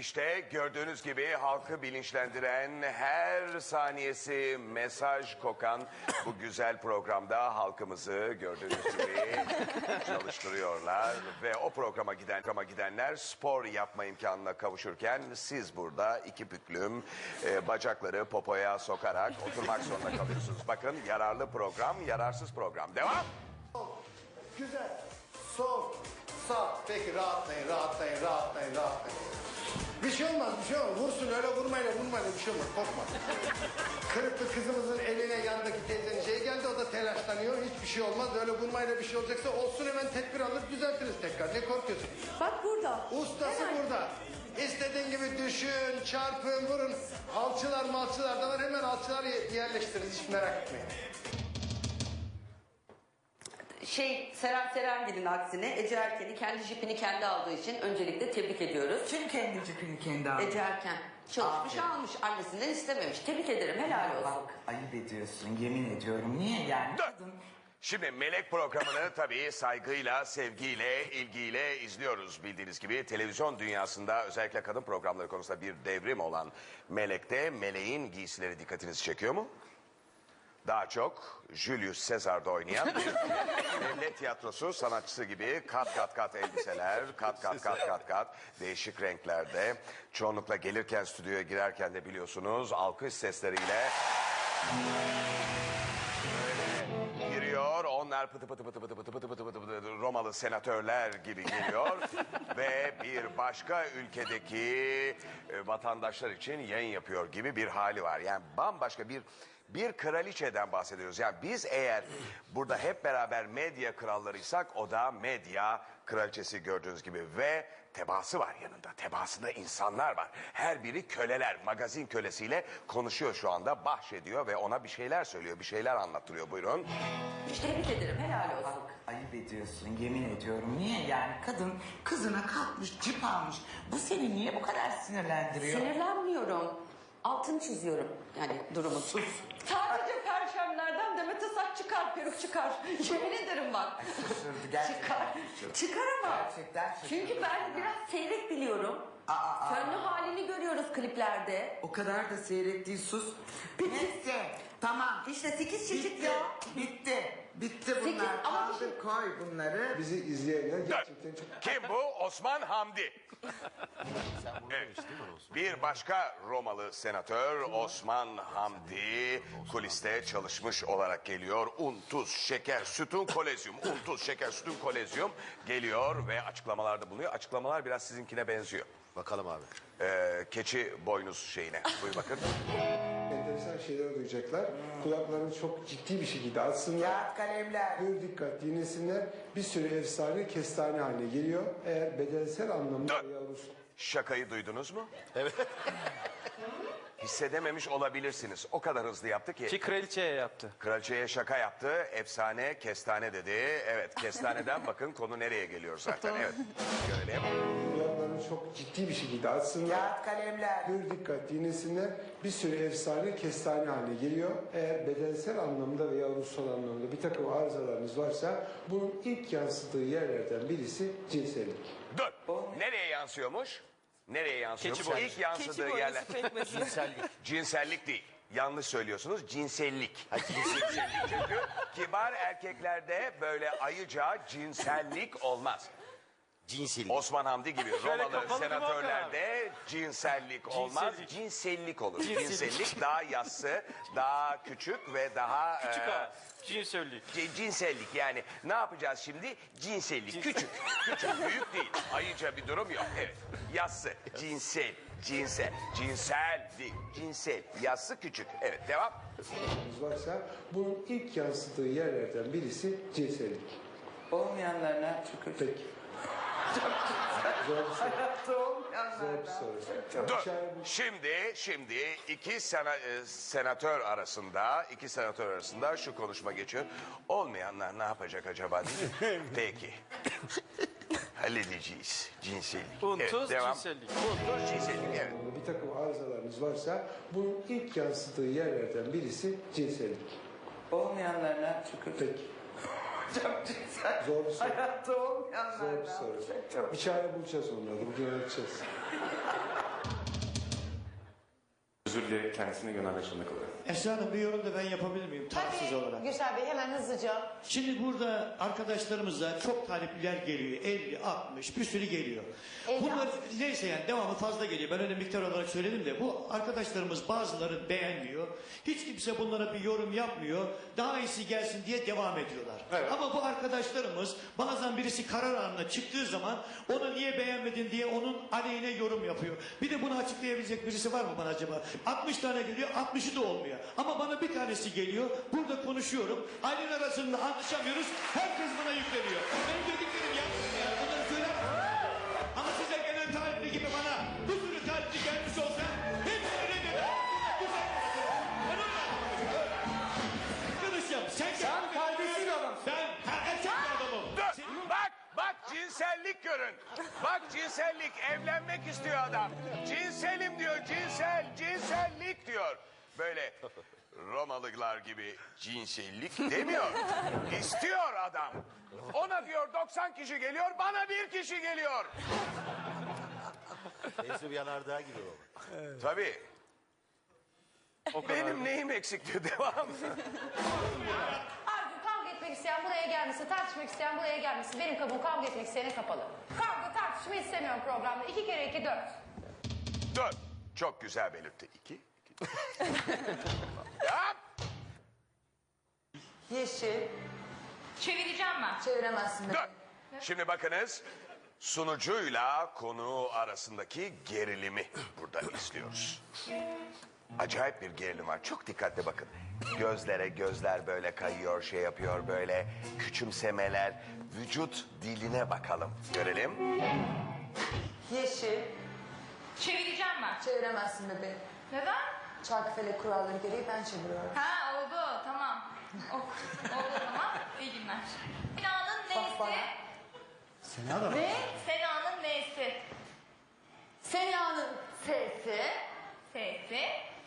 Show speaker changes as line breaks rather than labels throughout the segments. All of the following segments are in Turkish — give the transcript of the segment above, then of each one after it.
İşte gördüğünüz gibi halkı bilinçlendiren, her saniyesi mesaj kokan bu güzel programda halkımızı gördüğünüz gibi çalıştırıyorlar. Ve o programa gidenler spor yapma imkanına kavuşurken siz burada iki büklüm bacakları popoya sokarak oturmak zorunda kalıyorsunuz. Bakın yararlı program, yararsız program. Devam.
Güzel. Sol. Sağ. Peki rahatlayın. Bir şey olmaz. Vursun öyle vurmayla bir şey olmaz. Korkma. Kırıklı kızımızın eline yandaki teyzenin şey geldi. O da telaşlanıyor. Hiçbir şey olmaz. Öyle vurmayla bir şey olacaksa olsun, hemen tedbir alır düzeltiriz tekrar. Ne korkuyorsun?
Bak burada.
Ustası
Hemen.
burada. İstediğin gibi düşün, çarpın, vurun. Malçılar da var. Hemen alçılar yerleştiririz. Hiç merak etmeyin.
Seren Serengil'in aksine Ece Erken'i kendi jipini kendi aldığı için öncelikle tebrik ediyoruz.
Kim kendi cipini kendi aldı?
Ece Erken çalışmış, almış, annesinden istememiş. Tebrik ederim, helal olsun.
Bak ayıp ediyorsun, yemin ediyorum. Niye yani? Kadın...
Şimdi Melek programını tabii saygıyla, sevgiyle, ilgiyle izliyoruz. Bildiğiniz gibi televizyon dünyasında özellikle kadın programları konusunda bir devrim olan Melek'te Meleğin giysileri dikkatinizi çekiyor mu? Daha çok Julius Caesar'da oynayan bir devlet tiyatrosu sanatçısı gibi kat elbiseler, kat değişik renklerde. Çoğunlukla gelirken stüdyoya girerken de biliyorsunuz alkış sesleriyle böyle giriyor. Onlar pıtı pıtı Romalı senatörler gibi geliyor. Ve bir başka ülkedeki vatandaşlar için yayın yapıyor gibi bir hali var. Yani bambaşka bir kraliçeden bahsediyoruz. Yani biz eğer burada hep beraber medya krallarıysak o da medya kraliçesi gördüğünüz gibi. Ve tebaası var yanında. Tebaasında insanlar var. Her biri köleler. Magazin kölesiyle konuşuyor şu anda. Bahşediyor ve ona bir şeyler söylüyor. Bir şeyler anlattırıyor. Buyurun.
Tebrik ederim, helal olsun.
Bak ayıp ediyorsun, yemin ediyorum. Niye yani? Kadın kızına kalkmış, cip almış. Bu seni niye bu kadar sinirlendiriyor?
Sinirlenmiyorum. Altını çiziyorum yani durumun.
Sus.
Sadece perşemlerden Demet'e saç çıkar, peruk çıkar. Yemin ederim bak.
Şaşırdı gerçekten.
Çıkar ama.
Gerçekten şaşırdı.
Çünkü ben biraz seyrek biliyorum. Fönlü halini görüyoruz kliplerde.
O kadar da seyrettiği sus. Bitti. Tamam.
İşte 8 çeşit
Bitti.
ya.
Bitti bunlar.
Ama
Kaldır koy bunları.
Bizi izleyenler gerçekten çok...
Kim bu? Osman Hamdi. Evet. Bir başka Romalı senatör Osman Hamdi kuliste çalışmış olarak geliyor. Un, tuz, şeker, sütun, kolezyum. Un, tuz, şeker, sütun, kolezyum geliyor ve açıklamalarda bulunuyor. Açıklamalar biraz sizinkine benziyor.
Bakalım abi.
Keçi boynuz şeyine. Buyur bakın.
Enteresan şeyler duyacaklar. Kulaklarını çok ciddi bir şekilde açsınlar.
Kağıt kalemler.
Pür dikkat dinlesinler. Bir sürü efsane kestane haline geliyor. Eğer bedensel anlamda yavrusu.
Şakayı duydunuz mu?
Evet.
Hissedememiş olabilirsiniz. O kadar hızlı yaptı ki.
Ki kraliçeye yaptı.
Kraliçeye şaka yaptı. Efsane kestane dedi. Evet, kestaneden bakın konu nereye geliyor zaten. Evet. Görelim.
Kulaklarını çok ciddi bir şekilde açsınlar.
Kağıt kalemler.
Pür dikkat dinlesinler. Bir sürü efsane kestane haline geliyor. Eğer bedensel anlamda veya ruhsal anlamda bir takım arızalarınız varsa bunun ilk yansıdığı yerlerden birisi cinsellik.
Dur. Nereye yansıyormuş? Nereye yansıyormuş?
Keçi boynuzu.
İlk yansıdığı yerler. Cinsellik değil. Yanlış söylüyorsunuz. Cinsellik. Cinsellik. Çünkü kibar erkeklerde böyle ayıca cinsellik olmaz.
Cinsellik.
Osman Hamdi gibi Romalı
kapalı
senatörlerde cinsellik olmaz. Cinsellik olur. Cinsellik daha yassı, daha küçük ve daha...
Küçük ağa. Cinsellik.
Cinsellik yani ne yapacağız şimdi? Cinsellik. Küçük. Büyük değil. Ayıca bir durum yok. Evet. Yassı. Cinsel değil. Cinsel. Yassı küçük. Evet devam.
Varsa bunun ilk yansıdığı yerlerden birisi cinsellik.
Olmayanlarına şükür.
Peki. Zor bir soru.
Hayatta olmayanlarına.
Zor bir soru.
Dur.
Dışarı-
Şimdi iki senatör arasında şu konuşma geçiyor. Olmayanlar ne yapacak acaba diye. Peki. Halledeceğiz. Cinsellik.
Un, tuz,
devam.
cinsellik.
Un, tuz, cinsellik. Evet.
Bir takım arızalarınız varsa bunun ilk yansıdığı yerlerden birisi cinsellik.
Olmayanlarına şükür.
Peki.
Çok güzel.
Zor bir soru.
Hayatta olmayanlarına.
Zor bir soru. Bir çare bulacağız onları. Bugün öğreteceğiz.
özür dileyerek kendisine göndermek zorunda kalıyorum.
Esra Hanım bir yorum da ben yapabilir miyim tarafsız olarak?
Tabii Gürsel Bey hemen hızlıca.
Şimdi burada arkadaşlarımıza çok talipliler geliyor. 50, 60 bir sürü geliyor.
50,
Bunlar neyse yani devamı fazla geliyor. Ben öyle miktar olarak söyledim de bu arkadaşlarımız bazıları beğenmiyor. Hiç kimse bunlara bir yorum yapmıyor. Daha iyisi gelsin diye devam ediyorlar. Ama bu arkadaşlarımız bazen birisi karar anına çıktığı zaman onu niye beğenmedin diye onun aleyhine yorum yapıyor. Bir de bunu açıklayabilecek birisi var mı bana acaba? 60 tane geliyor 60'ı da olmuyor. Ama bana bir tanesi geliyor. Burada konuşuyorum. Aileler arasında anlaşamıyoruz. Herkes bana yükleniyor. Benim dediklerim yanlış ya. Bunları söyler. Ama size gelen talipli gibi bana bu sürü talipli gelmiş olsa hepsini reddeder. Ben öyle anlamışım. Arkadaşım sen
kalbisiz adamsın.
Ben erkek bir adamım.
Dur, bak cinsellik görün. Bak cinsellik, evlenmek istiyor adam. Cinselim diyor, cinsellik diyor. Böyle Romalılar gibi cinsellik demiyor. İstiyor adam. Ona diyor 90 kişi geliyor, bana bir kişi geliyor.
Teyze bir yanardağ gibi o.
Tabii. Benim neyim eksik diyor, devam.
Arzu kavga etmek isteyen buraya gelmesin, tartışmak isteyen buraya gelmesin. Benim kapım kavga etmek isteyene kapalı. Kavga tartışma istemiyorum programda. 2 kere 2 4.
Dur. Çok güzel belirtti. 2. Yap.
Yeşil.
Çevireceğim ben.
Çeviremezsin de.
Dur. Şimdi bakınız. Sunucuyla konuğu arasındaki gerilimi burada izliyoruz. Acayip bir gerilim var. Çok dikkatli bakın. Gözlere gözler böyle kayıyor, şey yapıyor böyle. Küçümsemeler. Vücut diline bakalım. Görelim.
Yeşil.
Çevireceğim ben.
Çeviremezsin bebeğim.
Neden?
Çarkıfelek kuralları gereği ben çeviriyorum.
Ha oldu tamam. Oldu o zaman. İyi günler. Sena'nın
bana.
neyse.
Sena da
Ne? Sena'nın neyse.
Sena'nın sesi.
Sesi.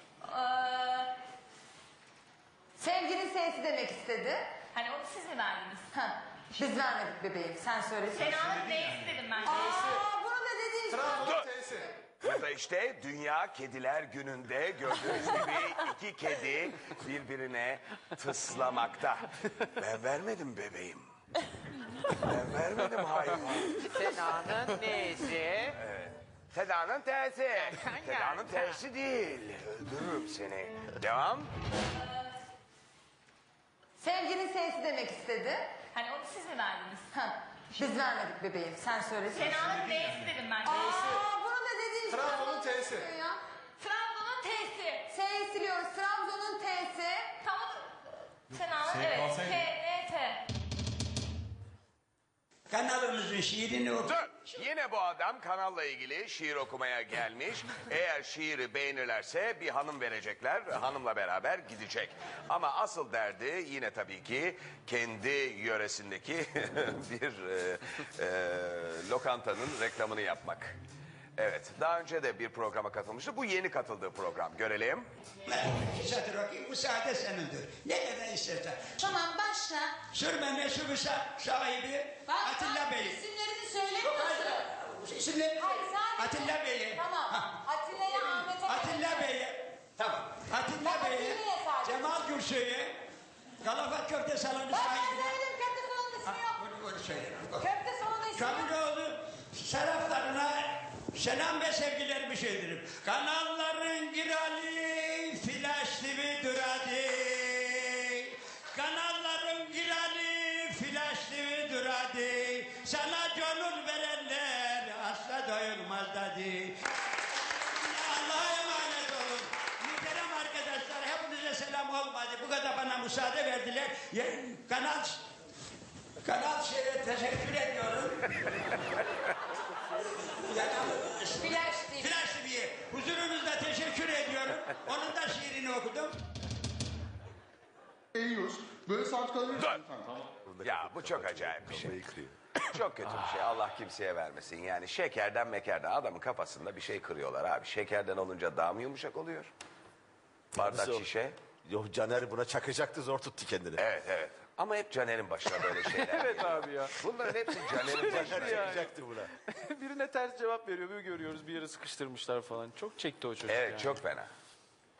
Sevginin sesi demek istedi.
Hani onu siz mi verdiniz?
Ha, biz vermedik bebeğim. Sen söyledin.
Sena'nın neyse dedim ben.
Aa, bunu da dediğin
Dur. Ya da işte Dünya Kediler Günü'nde gördüğünüz gibi 2 kedi birbirine tıslamakta. Ben vermedim bebeğim. Ben vermedim hayvan.
Sena'nın neyse.
Seda'nın tersi. Seda'nın tersi değil. Öldürürüm seni. Devam.
Sevginin sesi demek istedi.
Hani onu siz mi verdiniz?
Ha, biz vermedik bebeğim. Sen söyledin.
Sena'nın neyse dedim ben.
Aa, bunu da dediğin
Trabzon'un T'si.
Ya.
Trabzon'un T'si.
S'yi siliyoruz. Trabzon'un T'si.
Tamam. Sena'nın evet. T-N-T.
Kanalımızın şiirini oku.
Dur. Yine bu adam kanalla ilgili şiir okumaya gelmiş. Eğer şiiri beğenirlerse bir hanım verecekler. Hanımla beraber gidecek. Ama asıl derdi yine tabii ki kendi yöresindeki bir lokantanın reklamını yapmak. Evet, daha önce de bir programa katılmıştı. Bu yeni katıldığı program. Görelim.
İki satır okuyayım. Müsaade senindir. Ne kadar istersen.
Tamam başla.
Sürme meşhur sahibi Atilla Bey.
İsimlerini söylemiyorsun.
İsimleri
Hayır, sadece-
Atilla Bey'i.
Tamam.
Ha.
Atilla'ya, Ahmet'e.
Atilla Bey'i. Tamam. Atilla
Bak,
Bey'i.
Atilla'ya sadece.
Cemal Gürsoy'u. Galafat Köfte Salonu
Ben
sahibi.
söyledim. Köfte salonun ismi yok.
Onu söyle.
Köfte salonun ismi yok.
Kamuoyu taraflarına selam ve sevgilerimi söylerim. Kanalların girali flash TV duradı. Kanalların girali flash TV duradı. Sana gönül verenler asla doyulmaz dedi. Allah'a emanet olun. Muhterem arkadaşlar hepinize selam olmadı. Bu kadar bana müsaade verdiler. Kanal şeye teşekkür ediyorum.
Flash TV.
Flash TV'ye huzurunuzda teşekkür ediyorum. Onun da şiirini okudum.
Eğiyoruz. Böyle saat kalıyoruz.
Dur. Ya bu çok acayip bir şey. Çok kötü bir şey. Allah kimseye vermesin. Yani şekerden mekerden adamın kafasında bir şey kırıyorlar abi. Şekerden olunca daha mı yumuşak oluyor? Bardak şişe.
Yok Caner buna çakacaktı zor tuttu kendini.
Evet evet. Ama hep Caner'in başına böyle şeyler.
Evet abi ya.
Bunların hepsi Caner'in başına.
Yani.
Çakacaktı buna.
Birine ters cevap veriyor. Bir görüyoruz bir yere sıkıştırmışlar falan. Çok çekti o çocuk
Evet
yani.
çok fena.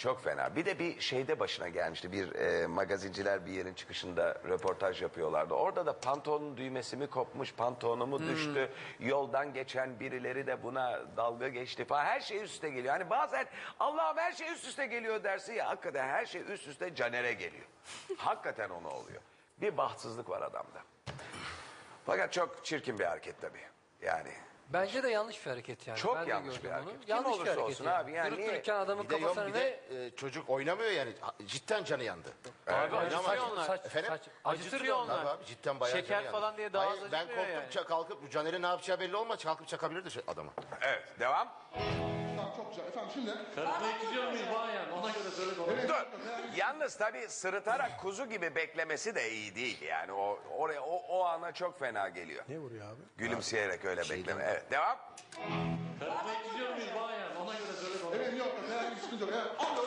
Çok fena. Bir de bir şeyde başına gelmişti. Bir magazinciler bir yerin çıkışında röportaj yapıyorlardı. Orada da pantolonun düğmesi mi kopmuş, pantolonu mu düştü. Yoldan geçen birileri de buna dalga geçti falan. Her şey üst üste geliyor. Hani bazen Allah'ım her şey üst üste geliyor dersin ya. Hakikaten her şey üst üste Caner'e geliyor. Hakikaten ona oluyor. Bir bahtsızlık var adamda. Fakat çok çirkin bir hareket tabii. Yani
Bence de yanlış bir hareket yani.
çok
Ben de
yanlış
gördüm
bir
onu.
hareket. Kim
Yanlış bir
olursa
hareket
olsun
yani.
abi. Yani
Durup
niye?
dururken adamın
Bir de yok
kafasına
bir
ne?
de çocuk oynamıyor yani. Cidden canı yandı.
Abi acıtıyor onlar.
Efendim?
Acıtıyor onlar.
Tabii abi, cidden bayağı
Şeker
canı yandı.
falan diye daha az
Hayır, ben
acıtmıyor
korktum
yani.
kalkıp Caner'in ne yapacağı belli olmaz. Kalkıp çakabilirdi adamı.
Evet, devam.
Tamam, çok güzel. Efendim şimdi...
Karısına gidiyor muyuz bayan? Ona göre söyle de ona.
Dur. Yalnız tabii sırıtarak kuzu gibi beklemesi de iyi değil. Yani o ana çok fena geliyor.
Ne vuruyor abi?
Gülümseyerek öyle bekleme. Evet, devam.
Karısına gidiyor muyuz bayan? Ona göre söyle de ona.
Evet, yok. Herhangi bir sıkıntı yok. Evet. Abi,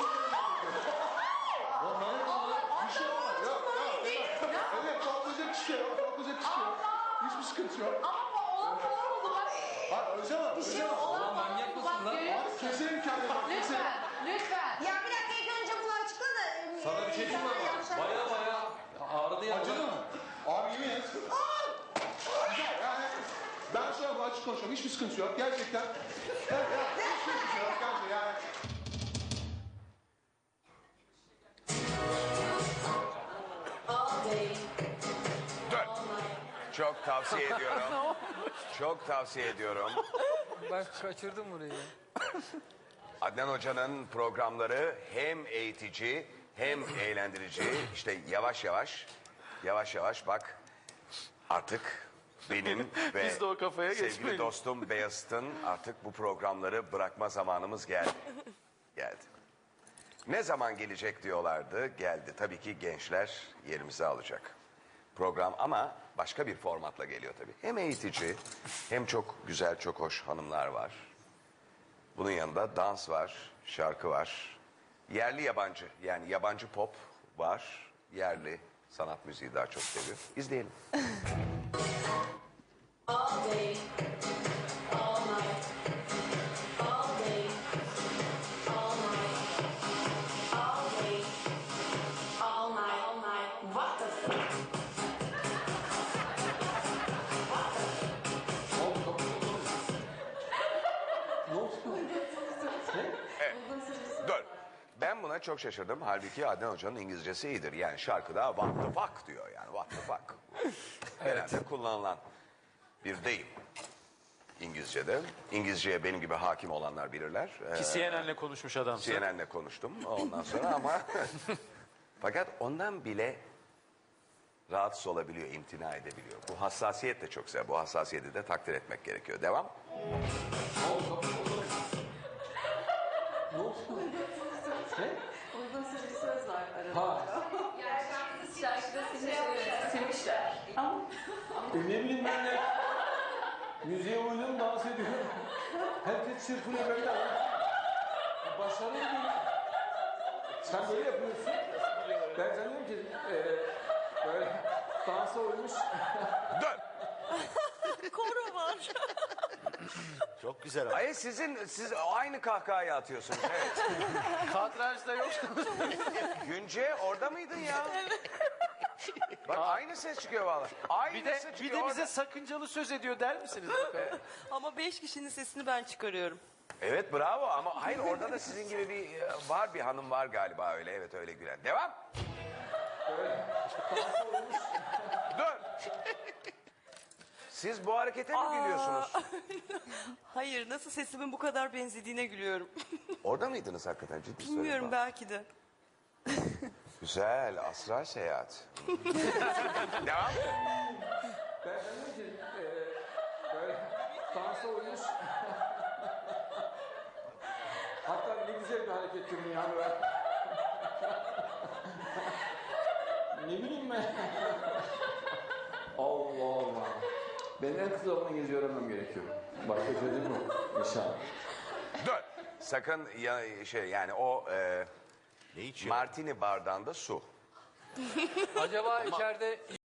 bir şey olmaz. Yok. Evet, korkulacak bir şey yok. Korkulacak bir şey yok. Hiçbir sıkıntı yok.
Ama olan falan oldu bak.
Hayır, öleceğim abi.
Bir şey olan falan oldu bak. Görüyor
Abi,
musun?
keselim kendini. Bak, keselim.
Lütfen.
Ya bir dakika ilk önce bunu açıkla da.
Sana bir şey diyeyim mi ama? Baya ağrıdı ya.
Acıdı mı? Abi yemin et. Güzel yani. Ben şu an açık konuşuyorum. Hiçbir sıkıntı yok. Gerçekten. Evet, ya. Hiçbir sıkıntı yok. Bence yani.
Dur. Çok tavsiye ediyorum. Çok tavsiye ediyorum.
Ben kaçırdım burayı.
Adnan Hoca'nın programları hem eğitici hem eğlendirici. İşte yavaş yavaş bak artık benim ve
Biz de o kafaya
sevgili
geçmeyelim.
dostum Beyazıt'ın artık bu programları bırakma zamanımız geldi. Ne zaman gelecek diyorlardı. Geldi. Tabii ki gençler yerimizi alacak. Program ama başka bir formatla geliyor tabii. Hem eğitici hem çok güzel, çok hoş hanımlar var. Bunun yanında dans var, şarkı var. Yerli yabancı, yani yabancı pop var. Yerli sanat müziği daha çok seviyor. İzleyelim. Dur. Ben buna çok şaşırdım. Halbuki Adnan Hoca'nın İngilizcesi iyidir. Yani şarkıda what the fuck diyor yani. What the fuck. Genelde kullanılan bir deyim. İngilizce'de. İngilizceye benim gibi hakim olanlar bilirler.
Ki CNN'le konuşmuş adam.
CNN'le konuştum ondan sonra ama fakat ondan bile rahatsız olabiliyor, imtina edebiliyor. Bu hassasiyet de çok güzel. Bu hassasiyeti de takdir etmek gerekiyor. Devam.
Uygun bir söz var arada. Şarkıda silmişler.
Ne bileyim ben de. Müziğe uydum dans ediyorum. Herkes çırpınıyor böyle. Başarılı bir. Sen böyle yapıyorsun. Ben sanıyorum ki böyle dansa uymuş.
Dön.
Koro var.
Çok güzel ama.
Ay siz aynı kahkahayı atıyorsunuz. Evet.
Kadrajda yok.
Günce orada mıydın ya? Bak aynı ses çıkıyor vallahi. Aynısı
Bir
çıkıyor
de bize
orada.
sakıncalı söz ediyor der misiniz bakalım?
Ama 5 kişinin sesini ben çıkarıyorum.
Evet bravo ama hayır orada da sizin gibi bir hanım var galiba öyle. Evet öyle gülen. Devam. Dur. Siz bu harekete mi gülüyorsunuz?
Hayır, nasıl sesimin bu kadar benzediğine gülüyorum.
Orada mıydınız hakikaten ciddi
Bilmiyorum,
söylüyorum.
belki de.
Güzel astral seyahat. Devam.
Ben sanıyorum ki böyle dansa uymuş. Hatta ne güzel bir hareket değil mi yani ben. Ne bileyim ben. Allah Allah. Benim en kısa zamanda İngilizce öğrenmem gerekiyor. Başka çözüm yok. İnşallah.
Dur. Sakın yani o
Ne içiyor?
martini bardağında su.
Acaba içeride